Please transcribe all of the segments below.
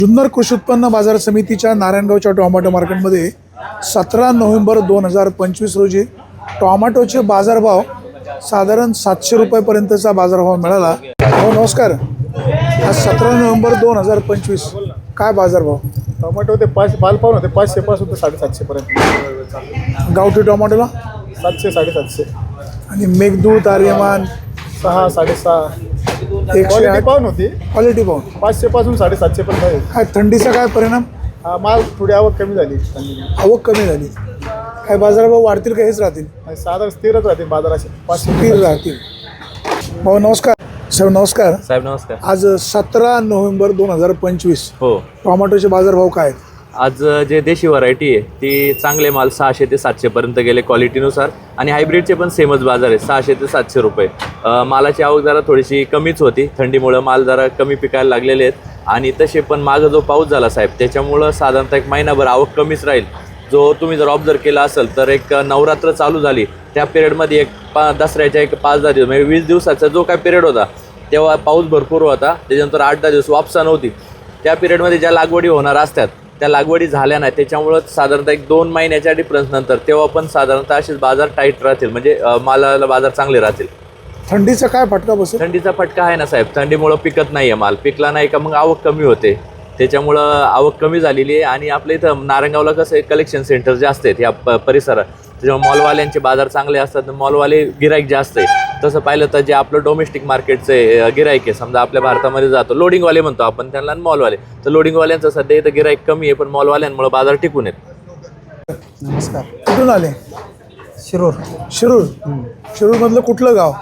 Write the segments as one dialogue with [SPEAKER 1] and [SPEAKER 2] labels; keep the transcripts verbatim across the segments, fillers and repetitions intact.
[SPEAKER 1] जुन्नर कृषी उत्पन्न बाजार समितीच्या नारायणगावच्या टोमॅटो मार्केटमध्ये सतरा नोव्हेंबर दोन हजार पंचवीस रोजी टोमॅटोचे बाजारभाव साधारण सातशे रुपयापर्यंतचा बाजारभाव मिळाला। हो नमस्कार, आज सतरा नोव्हेंबर दोन हजार पंचवीस काय बाजारभाव?
[SPEAKER 2] टोमॅटो ते पाच माल पाहून होते पाचशे पासून ते साडेसातशे पर्यंत।
[SPEAKER 1] गावठी टोमॅटोला
[SPEAKER 2] सातशे साडेसातशे
[SPEAKER 1] आणि मेघदूत आर्यमान
[SPEAKER 2] सहा साडेसहा
[SPEAKER 1] एकशे
[SPEAKER 2] क्वालिटी
[SPEAKER 1] आठ
[SPEAKER 2] पाहून होती।
[SPEAKER 1] क्वालिटी पाहून
[SPEAKER 2] पाचशे पासून साडेसातशे पर्यंत आहे।
[SPEAKER 1] काय थंडीचा काय परिणाम?
[SPEAKER 2] हा माल थोडी आवक कमी झाली,
[SPEAKER 1] आवक कमी झाली, काय बाजारभाव वाढतील का हेच राहतील?
[SPEAKER 2] साधारण स्थिरच राहते बाजाराचे पाचशे
[SPEAKER 1] स्थिर राहतील। भाऊ नमस्कार। साहेब नमस्कार।
[SPEAKER 3] साहेब नमस्कार।
[SPEAKER 1] आज सतरा नोव्हेंबर दोन हजार पंचवीस
[SPEAKER 3] हो,
[SPEAKER 1] टोमॅटोचे बाजारभाव काय आहेत?
[SPEAKER 3] आज जे देशी व्हरायटी आहे ती चांगले माल सहाशे ते सातशे पर्यंत गेले क्वालिटीनुसार, आणि हायब्रिडचे पण सेमच बाजार आहे, सहाशे ते सातशे रुपये। अ, मालाची आवक जरा थोडीशी कमीच होती, थंडीमुळं माल जरा कमी पिकायला लागलेले आहेत, आणि तसे पण मागं जो पाऊस झाला साहेब त्याच्यामुळं साधारणतः एक महिनाभर आवक कमीच राहील। जो तुम्ही जर ऑब्झर्व केला असेल तर एक नवरात्र चालू झाली त्या पिरियडमध्ये एक पा दसऱ्याच्या एक पाच दहा दिवस म्हणजे वीस दिवसाचा जो काय पिरियड होता तेव्हा पाऊस भरपूर होता, त्याच्यानंतर आठ दहा दिवस वापसा नव्हती। त्या पिरियडमध्ये ज्या लागवडी होणार असतात त्या लागवडी झाल्या नाही, त्याच्यामुळं साधारणतः एक दोन महिन्याच्या डिफरन्स नंतर तेव्हा पण साधारणतः असेच बाजार टाईट राहतील, म्हणजे मालाला बाजार चांगले राहतील।
[SPEAKER 1] थंडीचा काय फटका बसेल?
[SPEAKER 3] थंडीचा फटका आहे ना साहेब, थंडीमुळं पिकत नाही आहे माल, पिकला नाही का मग आवक कमी होते, त्याच्यामुळं आवक कमी झालेली आहे। आणि आपल्या इथं नारायणगावला कसं आहे, कलेक्शन सेंटर जास्त आहेत या प परिसरात, त्याच्यामुळे मॉलवाल्यांचे बाजार चांगले असतात, मॉलवाले गिराईक जास्त आहे। तसं पाहिलं तर जे आपलं डोमेस्टिक मार्केटचे गिराईक आहे, समजा आपल्या भारतामध्ये जातो लोडिंगवाले म्हणतो आपण त्यांना, मॉलवाले, तर लोडिंगवाल्यांचं सध्या इथं गिराईक कमी आहे, पण मॉलवाल्यांमुळे बाजार टिकून आहेत।
[SPEAKER 1] नमस्कार। कुठून आले?
[SPEAKER 4] शिरूर।
[SPEAKER 1] शिरूर। शिरूरमधलं कुठलं गाव?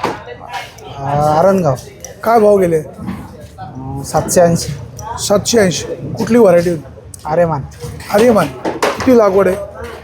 [SPEAKER 4] आरणगाव।
[SPEAKER 1] काय भाव गेले?
[SPEAKER 4] सातशे ऐंशी।
[SPEAKER 1] सातशे ऐंशी। कुठली व्हरायटी?
[SPEAKER 4] आर्यमान।
[SPEAKER 1] आर्यमान। किती लागवड आहे?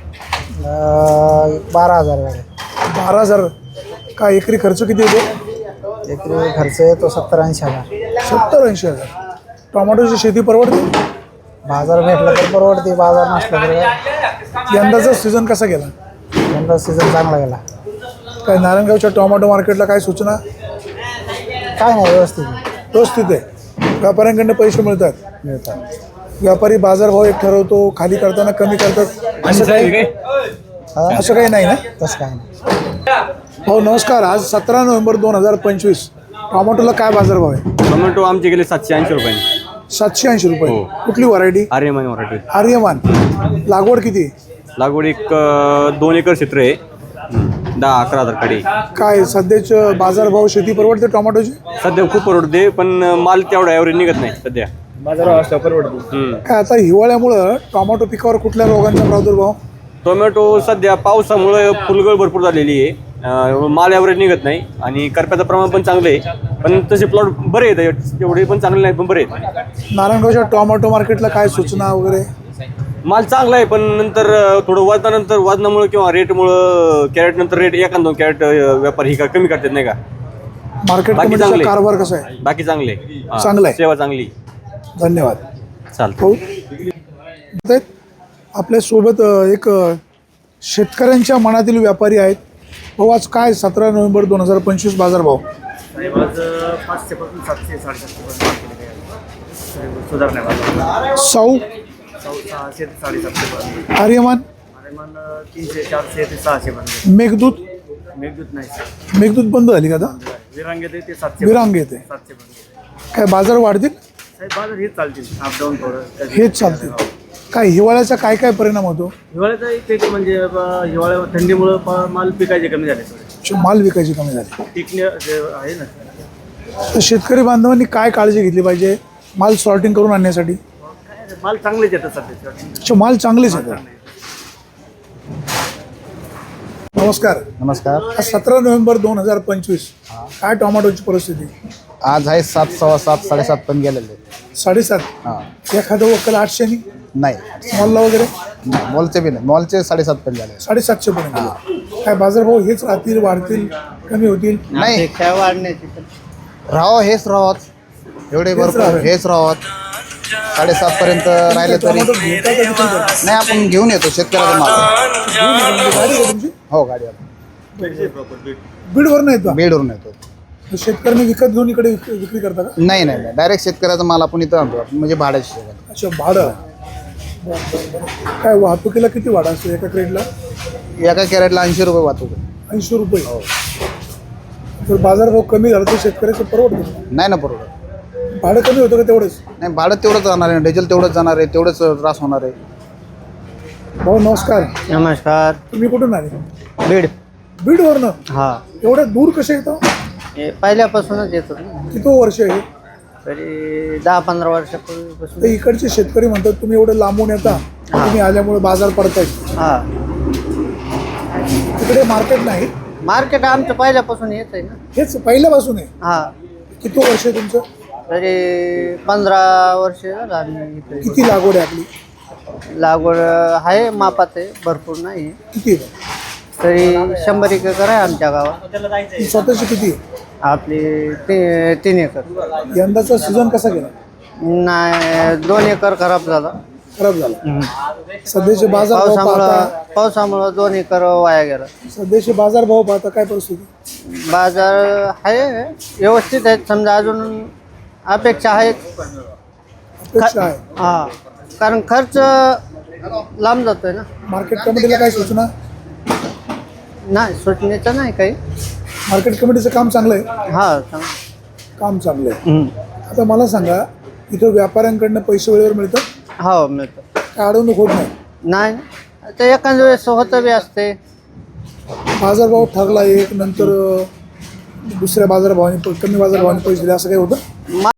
[SPEAKER 4] बारा हजार गाडी।
[SPEAKER 1] बारा हजार। काय एकरी खर्च किती येतो?
[SPEAKER 4] एकरी खर्च येतो सत्तर ऐंशी हजार।
[SPEAKER 1] सत्तर ऐंशी हजार। टोमॅटोची शेती परवडते?
[SPEAKER 4] बाजार भेटला तर परवडते, बाजार नसला तर
[SPEAKER 1] यंदाचा सीझन कसा गेला?
[SPEAKER 4] यंदा सीझन चांगला गेला।
[SPEAKER 1] काय नारायणगावच्या टोमॅटो मार्केटला काय सूचना?
[SPEAKER 4] काय नाही, व्यवस्थित
[SPEAKER 1] व्यवस्थित आहे, व्यापाऱ्यांकडनं पैसे मिळतात?
[SPEAKER 4] मिळतात।
[SPEAKER 1] व्यापारी बाजारभाव एक ठरवतो, खाली करताना कमी करतात, असं काही असं काही नाही ना?
[SPEAKER 4] तसं काय नाही।
[SPEAKER 1] हो नमस्कार। आज सतरा नोव्हेंबर दोन हजार पंचवीस टोमॅटोला काय बाजारभाव आहे?
[SPEAKER 5] टोमॅटो आमचे गेले सातशे ऐंशी रुपये।
[SPEAKER 1] सातशे ऐंशी रुपये। कुठली व्हरायटी?
[SPEAKER 5] आर्यमान मराठी।
[SPEAKER 1] आर्यमान। लागवड किती?
[SPEAKER 5] लागवड एक अं, दोन एकर क्षेत्र आहे, दहा अकरा हजार कडे।
[SPEAKER 1] काय सध्याचं बाजारभाव शेती परवडते टोमॅटोची?
[SPEAKER 5] सध्या खूप परवडते, पण माल तेवढा ॲव्हरेज निघत नाही सध्या,
[SPEAKER 2] बाजारावर असल्या परवडते।
[SPEAKER 5] हम्म.
[SPEAKER 1] काय आता हिवाळ्यामुळं टोमॅटो पिकावर कुठल्या रोगांचा प्रादुर्भाव?
[SPEAKER 5] टोमॅटो सध्या पावसामुळे फुलगळ भरपूर झालेली आहे, अं, माल ॲव्हरेज निघत नाही, आणि करप्याचं प्रमाण पण चांगलं आहे, पण तसे प्लॉट बरे आहेत, एवढे पण चांगले नाही पण बरे आहेत।
[SPEAKER 1] नारायणगावच्या टोमॅटो मार्केटला काय सूचना वगैरे?
[SPEAKER 5] माल चांगला आहे, पण नंतर अं, थोडं वजनानंतर वजनामुळे किंवा रेटमुळं कॅरेट नंतर रेट एखाद दोन कॅरेट व्यापारी ही का कमी करतात नाही का।
[SPEAKER 1] मार्केट
[SPEAKER 5] बाकी
[SPEAKER 1] कमिटीचा
[SPEAKER 5] चांगले.
[SPEAKER 1] कारभार कसा आहे?
[SPEAKER 5] बाकी चांगले हा,
[SPEAKER 1] चांगलं आहे.
[SPEAKER 5] सेवा चांगली।
[SPEAKER 1] धन्यवाद।
[SPEAKER 5] चालतं।
[SPEAKER 1] हो आपल्यासोबत एक शेतकऱ्यांच्या मनातील व्यापारी आहेत। भाऊ आज काय सतरा नोव्हेंबर दोन हजार पंचवीस बाजारभाव?
[SPEAKER 2] पाचशे पासून सातशे साडेसातशे सुधारणा
[SPEAKER 1] सौ
[SPEAKER 2] सहाशे ते साडेसातशे पर्यंत।
[SPEAKER 1] आर्यमान।
[SPEAKER 2] आर्यमान तीनशे चारशे ते सहाशे पर्यंत।
[SPEAKER 1] मेघदूत।
[SPEAKER 2] मेघदूत नाही,
[SPEAKER 1] मेघदूत बंद झाली का आता?
[SPEAKER 2] विरांग येते ते सातशे
[SPEAKER 1] विरांग येते।
[SPEAKER 2] सातशे पर्यंत।
[SPEAKER 1] काय बाजार वाढतील?
[SPEAKER 2] साहेब बाजार हेच चालतील, अपडाऊन थोडं
[SPEAKER 1] हेच चालतील। काय हिवाळ्याचा काय काय परिणाम होतो?
[SPEAKER 2] हिवाळ्याचा इथे म्हणजे ब- हिवाळ्या थंडीमुळं प- माल पिकायचे कमी झाले थोडे,
[SPEAKER 1] माल विकायची कमी झाली,
[SPEAKER 2] टिकणे जे आहे ना।
[SPEAKER 1] तर शेतकरी बांधवांनी काय काळजी घेतली पाहिजे माल सॉर्टिंग करून आणण्यासाठी?
[SPEAKER 2] काय माल चांगलेच येतात सध्या।
[SPEAKER 1] अच्छा, माल चांगलेच आहेत। नमस्कार।
[SPEAKER 4] नमस्कार।
[SPEAKER 1] आज सतरा नोव्हेंबर दोन हजार पंचवीस काय टोमॅटोची परिस्थिती?
[SPEAKER 4] आज आहे सात सव्वा सात साडेसात पण गेलेले।
[SPEAKER 1] साडेसात।
[SPEAKER 4] हां
[SPEAKER 1] एखादं वक्कल आठशे नि
[SPEAKER 4] नाही,
[SPEAKER 1] मॉलला वगैरे
[SPEAKER 4] नाही, मॉलचे बी नाही, मॉलचे साडेसात पण झाले।
[SPEAKER 1] साडेसातशे पर्यंत। काय बाजारभाव हेच राहतील, वाढतील, कमी होतील?
[SPEAKER 4] नाही, राहावं हेच राहत, एवढे भरपूर
[SPEAKER 1] राहावे.
[SPEAKER 4] हेच राहत, साडेसात पर्यंत राहिले तरी
[SPEAKER 1] टोमॅटो घेता का विक्री करता?
[SPEAKER 4] नाही, आपण घेऊन येतो शेतकऱ्याचा माल।
[SPEAKER 1] गाडी आहे तुमची?
[SPEAKER 4] हो, गाडीवर
[SPEAKER 1] बीडवर नाही येतो?
[SPEAKER 4] बीडवरून येतो।
[SPEAKER 1] शेतकऱ्यांनी विकत घेऊन इकडे विक- विक्री करता का?
[SPEAKER 4] नाही नाही नाही, डायरेक्ट शेतकऱ्याचा माल आपण इथं आणतो, आपण म्हणजे भाड्याची सेवा।
[SPEAKER 1] अच्छा भाडं बरं, बरं, बरं. काय वाहतुकीला किती भाडं असतं एका क्रेटला?
[SPEAKER 4] एका कॅरेटला ऐंशी रुपये वाहतूक आहे.
[SPEAKER 1] ऐंशी रुपये जर बाजारभाव कमी झाला तर शेतकऱ्याचं परवडतं.
[SPEAKER 4] नाही ना परवडत.
[SPEAKER 1] भाडं कमी होतं का तेवढंच?
[SPEAKER 4] नाही भाडं तेवढंच जाणार आहे, डिझेल तेवढंच जाणार आहे, तेवढंच त्रास होणार आहे.
[SPEAKER 1] भाऊ नमस्कार,
[SPEAKER 2] नमस्कार.
[SPEAKER 1] तुम्ही कुठून आले?
[SPEAKER 2] बीड.
[SPEAKER 1] बीडवरनं?
[SPEAKER 2] हा,
[SPEAKER 1] एवढ्या दूर कसे येतो?
[SPEAKER 2] हे पहिल्यापासूनच येतो ना.
[SPEAKER 1] किती वर्ष आहे?
[SPEAKER 2] तरी दहा पंधरा वर्षापूर्वीपासून.
[SPEAKER 1] तर इकडचे शेतकरी म्हणतात तुम्ही एवढं लांबून येता, तुम्ही आल्यामुळे बाजार पडताय.
[SPEAKER 2] हा,
[SPEAKER 1] तिकडे मार्केट नाही?
[SPEAKER 2] मार्केट आमचं पहिल्यापासून येत आहे ना.
[SPEAKER 1] हेच पहिल्यापासून आहे.
[SPEAKER 2] हा,
[SPEAKER 1] किती वर्ष आहे तुमचं?
[SPEAKER 2] तरी पंधरा वर्ष झालं आम्ही इथे.
[SPEAKER 1] किती लागवड आहे आपली?
[SPEAKER 2] लागवड आहे मापात आहे, भरपूर नाही.
[SPEAKER 1] किती आहे?
[SPEAKER 2] तरी शंभर एक एकर आहे आमच्या गावात.
[SPEAKER 1] ही स्वतःची किती आहे?
[SPEAKER 2] आपली ती तीन एकर.
[SPEAKER 1] यंदाचा सीझन कसा गेला?
[SPEAKER 2] नाही, दोन एकर खराब झाला.
[SPEAKER 1] खराब झाला. सध्याचे बाजार भाव
[SPEAKER 2] पावसामुळं
[SPEAKER 1] पाहता
[SPEAKER 2] पावसामुळं दोन एकर वाया गेला.
[SPEAKER 1] सध्याचे बाजार भाव पाहता काय परिस्थिती?
[SPEAKER 2] बाजार आहे व्यवस्थित आहेत, समजा अजून अपेक्षा आहेत.
[SPEAKER 1] अपेक्षा आहे.
[SPEAKER 2] हा, कारण खर्च लांब जातोय ना.
[SPEAKER 1] मार्केट कमिटीला काय सूचना?
[SPEAKER 2] नाही, सुटण्याचं नाही काही.
[SPEAKER 1] मार्केट कमिटीचं काम चांगलं आहे.
[SPEAKER 2] हा, चांगलं.
[SPEAKER 1] काम चांगलं आहे.
[SPEAKER 2] हम्म.
[SPEAKER 1] आता मला सांगा, इथं व्यापाऱ्यांकडनं पैसे वेळेवर मिळतात?
[SPEAKER 2] हो, मिळतं.
[SPEAKER 1] काय अडवणूक होत नाही?
[SPEAKER 2] नाही, ते एखाद्या वेळेस होतं बी असते.
[SPEAKER 1] बाजारभाव ठरला एक, नंतर अं, दुसऱ्या बाजारभावाने कमी बाजारभावाने पैसे दिले असं काही होतं?